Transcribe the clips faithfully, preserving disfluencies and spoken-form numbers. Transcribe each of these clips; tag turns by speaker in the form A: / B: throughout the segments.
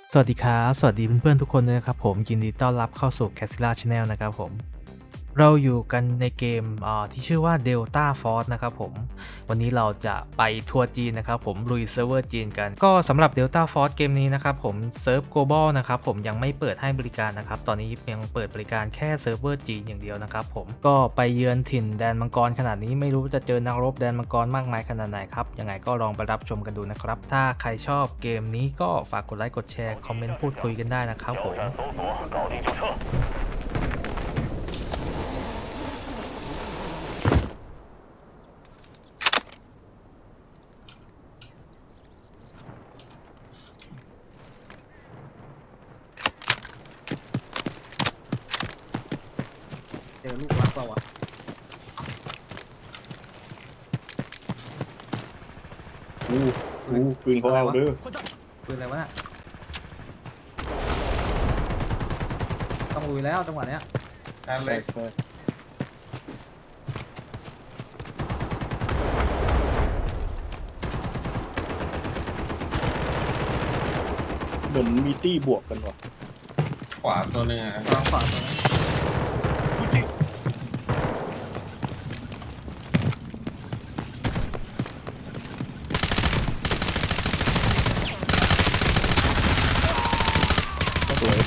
A: สวัสดีครับสวัสดีเพื่อนๆทุกคนด้วยนะครับผมยินดีต้อนรับเข้าสู่ Casilla Channel นะครับผมเราอยู่กันในเกมอ่าที่ชื่อว่า Delta Force นะครับผมวันนี้เราจะไปทัวร์จีนนะครับผมลุยเซิร์ฟเวอร์จีนกันก็สำหรับ Delta Force เกมนี้นะครับผมเซิร์ฟ Global นะครับผมยังไม่เปิดให้บริการนะครับตอนนี้ยังเปิดบริการแค่เซิร์ฟเวอร์จีนอย่างเดียวนะครับผมก็ไปเยือนถิ่นแดนมังกรขนาดนี้ไม่รู้จะเจอนักรบแดนมังกรมากมายขนาดไหนครับยังไงก็ลองไปรับชมกันดูนะครับถ้าใครชอบเกมนี้ก็ฝากกดไลค์กดแชร์คอมเมนต์พูดคุยกันได้นะครับผม
B: เจอลูกรักเปล่าวะ
C: อู้อู้ปืนเขาเอาเด้อ
B: ปืนอะไรวะน่ะต้องลุยแล้วจังหวะเนี้ย
D: นั่นเล
C: ใช่
D: ย
C: ใช่เหมือนมีตี้บวกกันว่ะ
D: ขวาตัวหนึ่งอ่ะ
B: วางขวาตัวนั้น
C: สวย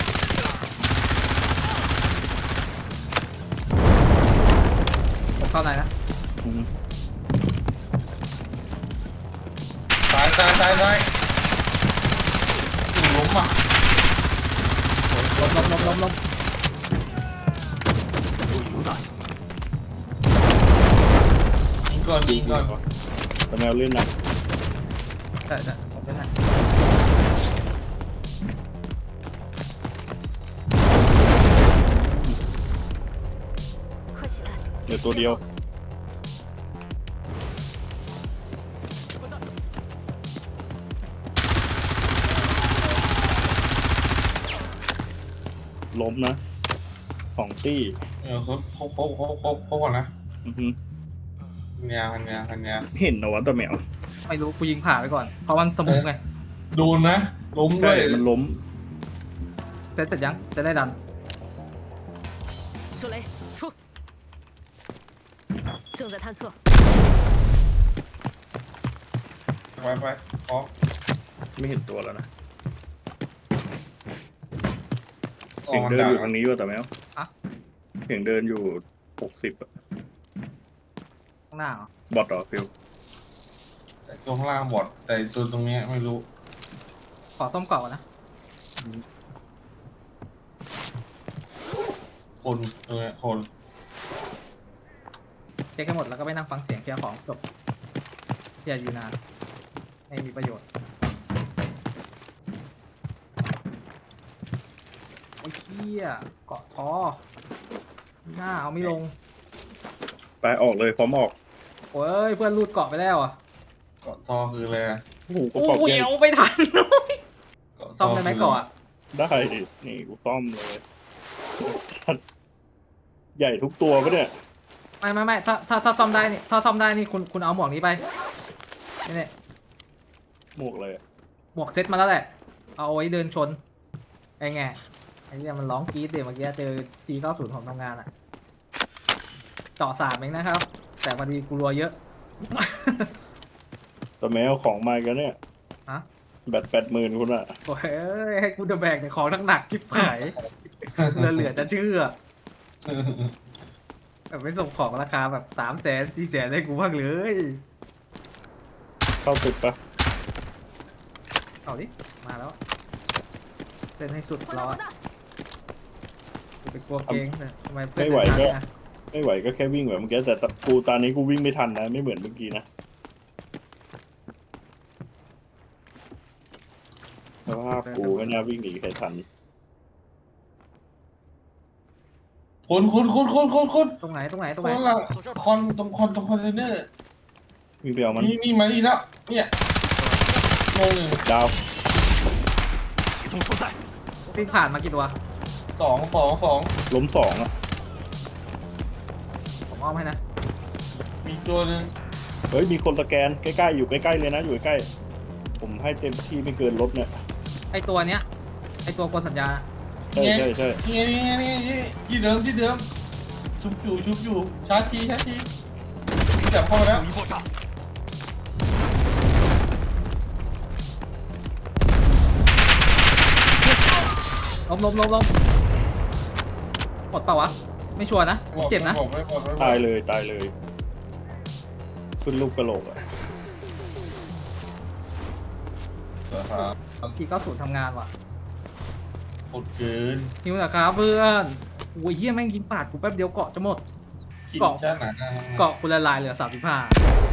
B: ผมเข้าในนะ
C: อืม
D: ซ้ายซ้ายซ้ายซ้ายอยู่ล้มอ่ะ
B: ล้มล้มล้มล้มล้ม
D: ยิงก่อนยิงก่อน
C: แต่แมวเล่นนะ
B: ใช่ใช่ผมเป็นไง
C: เดี๋ยวตัวเดียวล้มนะสองตี้
D: เออเขาเขาเขาเขาเขาเขาก่อนนะ
C: อือฮึ
D: พันยาพันยาพันยา
C: เห็นนะวะแต่แมว
B: ไม่รู้กูยิงผ่าไปก่อนเพราะมันสโมกไง
D: โดนนะล้มด้
C: ใช่
D: วย
C: มันล้ม
B: เสร็จเสร็จยังจะได้ดัน
E: 手雷出，正在探测。
D: ไปไปพร้อม
C: ไม่เห็นตัวแล้วนะ
D: ออ
C: เสีย
D: ก
C: ง
D: มัน
C: เดิน
D: ดั
C: อก ยู่ทางนี้ว่ะแต่แมว
B: อะ
C: เสียงเดินอยู่หกสิบอะ
B: ข้างหน้าเหรอบ
C: อทเหรอฟิล
D: แต่ตัวข้างล่างบอดแต่ตัวตรงเนี้ยไม่รู้
B: ขอต้มกรอบก่อนนะ
D: คนตัวเนี้ยคน
B: เช็คให้หมดแล้วก็ไปนั่งฟังเสียงเคลียร์ของจบอย่าอยู่นานไม่มีประโยชน์โอ้ยเหี้ยเกาะท้อหน้าเอาไม่ลง
C: ไปออกเลยพร้อมออก
B: โอ้ยเพื่อนรูดเกาะไปแล้วอ่ะ
D: เกาะทอคืออะไรอะ
C: โอ้โหกระ
B: โอ้
C: เป๋า
B: โห
C: แก้
B: เอาไปทัน
D: เกาะท
B: ซ่อมได้ไหมเกาะอะ
C: ได้ดินี่กูซ่อมเลยใหญ่ทุกตัวปะเนี่ย
B: ไม่ไม่ไม่ถ้าถ้าถ้าซ่อมได้นี่ถ้าซ่อมได้นี่คุณคุณเอาหมวกนี้ไปนี่เนี่ย
C: หมวกเลยอะ
B: หมวกเซ็ตมาแล้วแหละ เอาไว้เดินชนไอ้ไงไอ้เนี่ยมันร้องกรี๊ดเดี๋ยวเมื่อกี้เจอทีเก้าศูนย์ของทำงานอ่ะเจาะสามเองนะครับ แต่พอดีกูรัวเยอะ
C: แต่แมวของมากันเนี่ย
B: ฮะ
C: แบตแปดหมื่นคุณอะ
B: โอ้ยให้กูเดอะแบกเนี่ยของหนักๆจิ๊บหายเหลือเหลือจะเชื่อแบบไม่ส่งของราคาแบบสามแสนสี่แสนให้กูบ้างเลย
C: เข้าตึกปะ
B: เอาดิมาแล้วเล่นให้สุดรอดกูไปกลัวเกงเนี่ยทำไมเพื่อนเดินทางนะ
C: ไม่ไหวก็แค่วิ่งแบบเมื่อกี้แต่กูตอนนี้กูวิ่งไม่ทันนะไม่เหมือนเมื่อกี้นะสภาพกูไม่น่าวิ่งหนีใครทัน
D: คนคนคนคนคนคน
B: ตรงไหนตรงไหนตรง
D: ค
B: ไหน
D: นละคอนตรงคอนตรงคอนเทนเนอร์
C: วิ่งไปเอามัน
D: นี่นี่มานี่แล้วเนี่ยโมงหนึ่ง
C: ดาว
B: วิ่งผ่านมากี่ตัว
D: สองสองสอง
C: ล้มสองอะ
B: ผมอ้อมให้นะ
D: มีตัวหนึ่ง
C: เฮ้ยมีคนสแกนใกล้ๆอยู่ใกล้ๆเลยนะอยู่ใกล้ๆผมให้เต็มที่ไม่เกินรถเนี่ย
B: ไอตัวเนี้ยตัวกดสัญญาณ
C: ใช่ใช่ใช่
D: นี่ไงนี่ไงนี่ไงนี่ที่เดิมที่เดิมชุบอยู่ชุบอยู่ชาร์จทีชาร์จทีวิ่งจับเข้ามาแล้ว
B: ล้มล้มล้มล้มหมดเปล่าวะไม่ชัวร์นะเจ็บนะ
D: ไม่หมดไม่หมดไม่หมด
C: ตายเลยตายเลยขึ้นลูกกระโหลกอะ
D: เหรอครับ
B: ทีเก้าศูนย์ทำงานว่ะ
D: หมดเกิน
B: นิวนะครับเพื่อนโอ้ยเฮียแม่งยิงปาดกูแป๊บเดียวเกาะจะหมด
D: กิน
B: เกาะ
D: ชาติหนาหน้า
B: เกาะกูละลายเหลือสามสิบห้า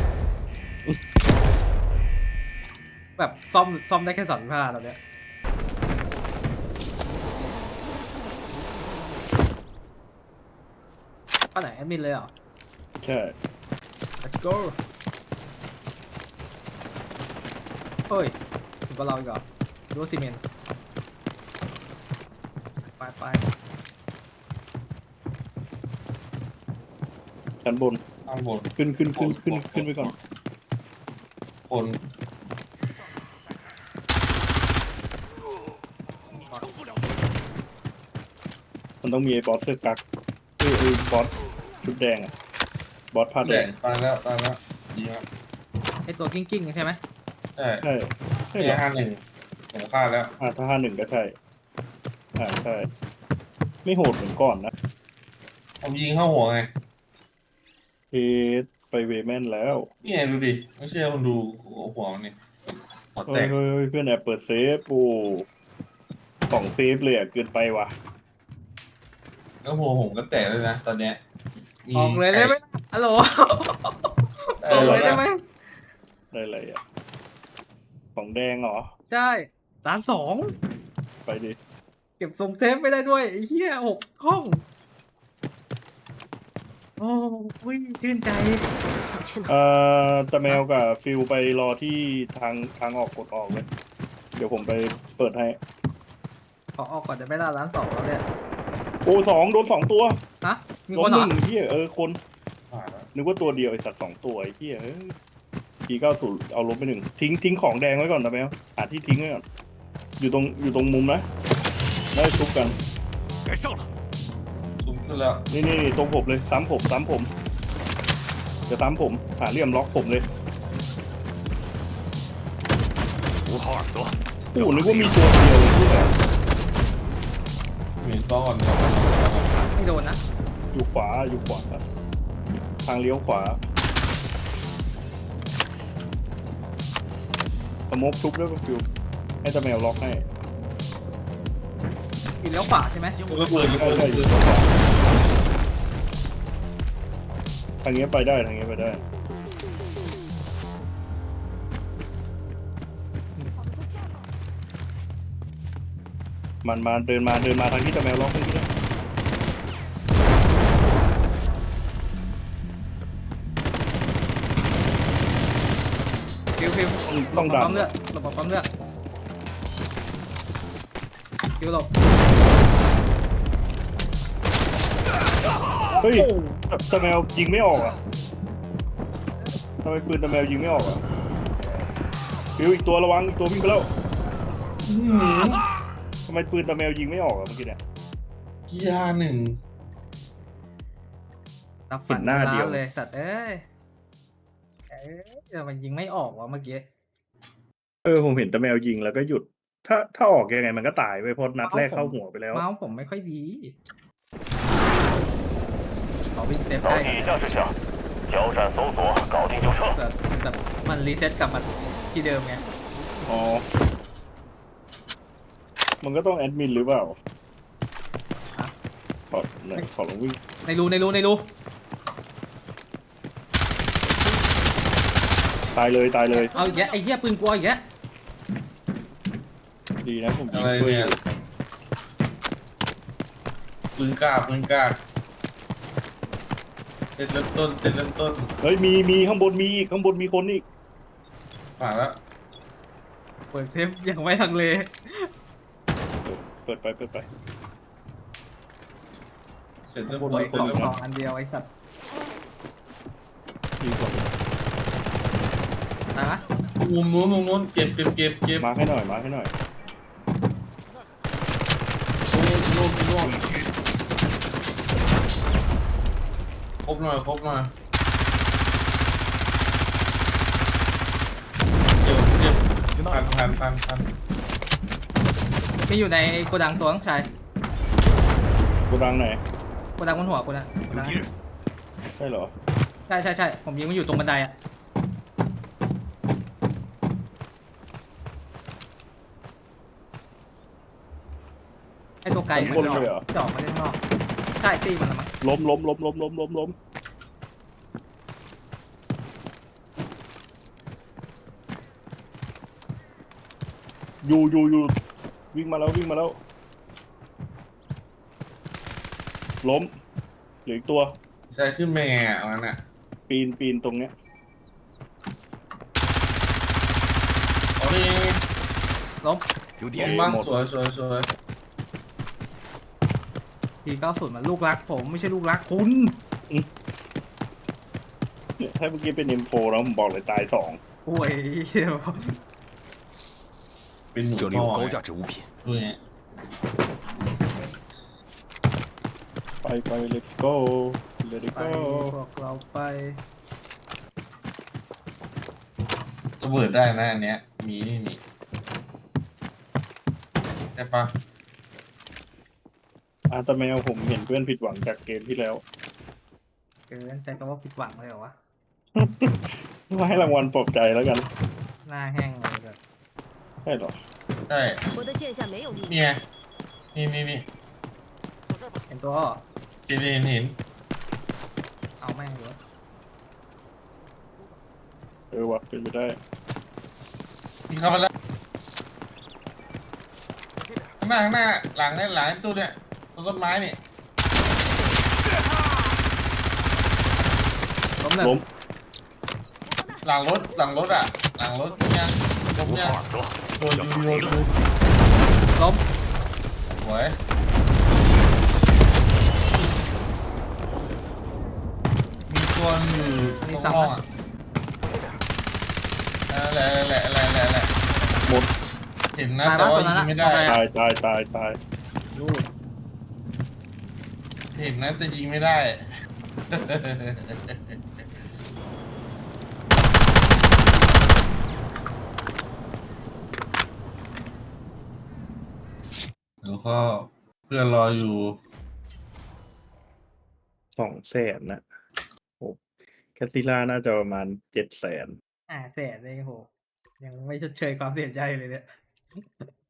B: แบบซ่อมซ่อมได้แค่สามสิบห้าตอนเนี้ยป้าไหนแอดมินเลยเหรอ
C: ใช่
B: let's go เฮ้ยถึงกับเราอีกเหรอดูว่าซีเมนต์ไปไป
C: ชั้นบน
D: ข้างบน
C: ขึ้นขึ้นขึ้นขึ้นขึ้นไปก่อน
D: คน
C: มันต้องมีไอ้บอสเสื้อกั๊กเอ้ยไอ้บอสชุดแดงอะบอสผ้า
D: แด
C: แด
D: ง
C: ง
D: ตายแล้วตายแล้วยิงแล้ว
B: ไอตัวกิ้งกิ้งใช่ไหม
D: ใช่
C: ใช่ใช่
D: นี่
C: เหรอ
D: ห้าหนึ่งผมฆ่าแล้ว
C: อ่าถ้าห้าหนึ่งก็ใช่อ่าใช่ไม่โหดเหมือนก่อนนะ
D: ผมยิงเข้าหัวไง
C: เอสไปเวแมนแล้ว
D: นี่ไงดูดิไม่เชื่อคุณดูหัวมันนี่หัว
C: เฮ้
D: แต
C: ย
D: ก
C: เฮ้ยเฮ้ยเพื่อนแอบเปิดเซฟโอ้สองเซฟเลยอ่ะเกินไปว่ะ
D: แล้วหัวผมก็แตกเลยนะตอนเนี้ยมี
B: ออกเลยได้ไหมฮัลโหล
D: ไข่
B: ออกเลยได้ไหม
C: ได้อะไรอ่ะของแดงเหรอ
B: ใช่ร้านสอง
C: ไปดิ
B: เก็บทรงเทปไม่ได้ด้วยไอ้เหี้ยหกห้อง โอ้ยชื่นใจ
C: เอ่อตะแมวกับฟิลไปรอที่ทางทางออกกดออกเลย เดี๋ยวผมไปเปิดให้
B: ขอออกก่อนจะไม่ล่าร้านสองแล้วเนี่ย
C: โอ้สองโดนสองตัว
B: ฮะมี
C: ล้
B: ค
C: ม
B: น
C: ห
B: เหรอ
C: นึ่งเที่ยเออคน
D: ผ่านแล้ว
C: นึกว่าตัวเดียวไอสัตว์สองตัวไอ้เที่ยทีเก้าศูนย์เอาลบไปหนึ่งทิ้งทิ้งของแดงไว้ก่อนตะแมวหาที่ทิ้งไว้ก่อนอยู่ตรงอยู่ตรงมุมนะได้ทุบกัน
D: ซูมขึ้นแล้ว
C: นี่นี่นี่ตรงผมเลยซ้ำผมซ้ำผมจะซ้ำผมหาเหลี่ยมล็อกผมเลยโอ้โหนึกว่ามีตัวเดียวเลยที่แบบ
D: มีต้อนครับ
B: ไม่โดนนะ
C: อยู่ขวาอยู่ขวาครับทางเลี้ยวขวาสโมกทุบแล้วก็ฟิวให้ตะแมวล็อกให้
B: อยู่เลี้ยวขวาใช่ไหม
D: ก็เปิดก็
C: ใช่
D: เปิด
C: ใช่อยู่ขวาทางเงี้ยไปได้ทางเงี้ยไปได้มันมาเดินมาเดินมาทางที่ตะแมวล็อกเมื่อกี้เนี่ย
B: ฟิวฟิว
C: ต้อง
B: หลบ
C: ดั
B: ปั๊
C: น
B: มเลือดหลบปั๊มเลือดฟิวหลบ
C: เฮ้ยตะตะแมวยิงไม่ออกอ่ะทำไมปืนตะแมวยิงไม่ออกอ่ะฟิวอีกตัวระวังอีกตัววิ่งไปแล้วทำไมปืนตะแมวยิงไม่ออกอ่ะเมื่อกี้เนี่ย
D: กีฬาหนึ่ง
B: รับฝัน
C: เห็นหน้าเดียว
B: ร้เลยสัตว์เอ้ยเอ้ยแต่มันยิงไม่ออกวะเมื่อกี้
C: เออผมเห็นตะแมวยิงแล้วก็หยุด ถ้าถ้าออกยังไงมันก็ตายไปเพราะนัดแรกเข้าหัวไปแล้ว
B: เมาส์ผมไม่ค่อยดีขอวิ่งเซฟ
E: 早
B: ได้
E: 起驾驶下，交战搜索，搞定就撤。
B: แต่แต่มันรีเซ็ตกลับมาที่เดิมไง
C: อ๋อ มันก็ต้องแอดมินหรือเปล่า
B: ฮะ
C: ขอไหนขอลองวิ่ง
B: ในรูในรูในรู
C: ตายเลยตายเลย
B: เอาอีกแล้วไอ้เหี้ยปืนกลัวอีกแล้ว
C: ดีนะผมยิ
D: อะ
C: ง
D: ไร
C: ช่วย
D: เนี่ยปืนกล้าปืนกล้าเสร็จเริ่มต้นเสร็จเริ่มต้น
C: เฮ้ยมีมีข้างบนมีอีกข้างบนมีคนอีก
D: ผ่านแล้ว
B: เปิดเซฟยังไม่ทังเล
C: เปิดไปเปิดไป
D: เสร็จเริ่ม
C: ข้างบ
D: ต้น
C: น
B: ขอ
D: เสร็จ
B: ง
D: เริ่ม
B: สองอันเดียวไอ้สัตว์
C: มีคน
B: ตายปะ
D: มุมนู้นมุมนู้นเก็บเก็บเก็บเก็บ
C: มาให้หน่อยมาให้หน่อย
D: ครบหน่อยครบหน่อยเดี๋ยวเดี๋ยวพันพันพันพัน
B: มีอยู่ในโกดังตัวน้องชาย
C: กูดังไหน
B: โกดังบนหัวกูนะโกดัง
C: ใช่เหรอ
B: ใช่ใช่ใช่ผมยิงมันอยู่ตรงบันไดอะไอตัวไกล
C: ข้างบนเลยเหรอ
B: จะออกมาเล่นข้างนอกใช่ตีมันละมั้ง
C: ล้มล้มล้มล้มล้มล้มล้มอยู่อยู่อยู่วิ่งมาแล้ววิ่งมาแล้วล้มเหลืออีกตัว
D: ใช่ขึ้นไปไงอ่ะเอางั้นอ่ะ
C: ปีนปีนตรงเนี้ย
D: เอาดิ
B: ล้ม
D: ลงบ้างสวยสวยสวย
B: ทีเก้าศูนย์มันลูกรักผมไม่ใช่ลูกรักคุณ
C: เนี่ยถ้าเมื่อกี้เป็น เอ็ม โฟร์ แล้วผมบอกเลยตายสอง
B: โอ้ยเหี้ย
D: เป็นหนู
F: 这里
D: พ่
F: 有
D: อ
F: 高
D: ไง
F: 价值物品，
D: ดูไง
C: ไปไป let's go let's
B: ไป
C: go
B: พวกเราไป
D: ระเบิดได้นะอันเนี้ยมีนี่มีได้ปะ
C: อาตาแมวผมเห็นเพื่อนผิดหวังจากเกมที่แล้ว
B: เกินใจก็ว่าผิดหวังเลยเหรอวะ
C: ว่าให้รางวัลปลอบใจแล้วกัน
B: หน้าแห้งเลยแบบ
C: ใช่เหรอ
D: ใช่
G: 我的剑下没有秘密。
D: เนี่ยนี่นี่นี่
B: เห็นตัวเหรอ
D: เห็นเห็นเห็น
B: เอาแม่งเลย
C: เออวะเป็นไปได้
D: มีเข้ามาแล้วข้างหน้าข้างหน้าหลังเนี่ยหลังตู้เนี่ยต้นต้นไม้เนี่ย
B: ล้มหนึ่ง
C: ล้ม
D: หลังรถหลังรถอ่ะ หลังรถเนี่ยล้ม
E: 无
D: เนี่ย
E: 话可说，
D: โดนยูโดนยู
B: ล้ม
D: สวยมีตัวอยู่ตรงห้องอ่ะอะไรอะไรอะไรอะไรอะไร
C: หมด
D: เห็นนะแต่ว่ายิงไม่ได้
C: ตายตายตายตาย
B: ลูก
D: เห็นนะแต่ยิงไม่ได้ แล้วก็เพื่อนรออยู่
C: สองแสนนะโอ้แคสซิล่าน่าจะประมาณเจ็ดแสน
B: อ่าแสนเลยโหยังไม่ชดเชยความเสียใจเลยเนี่ย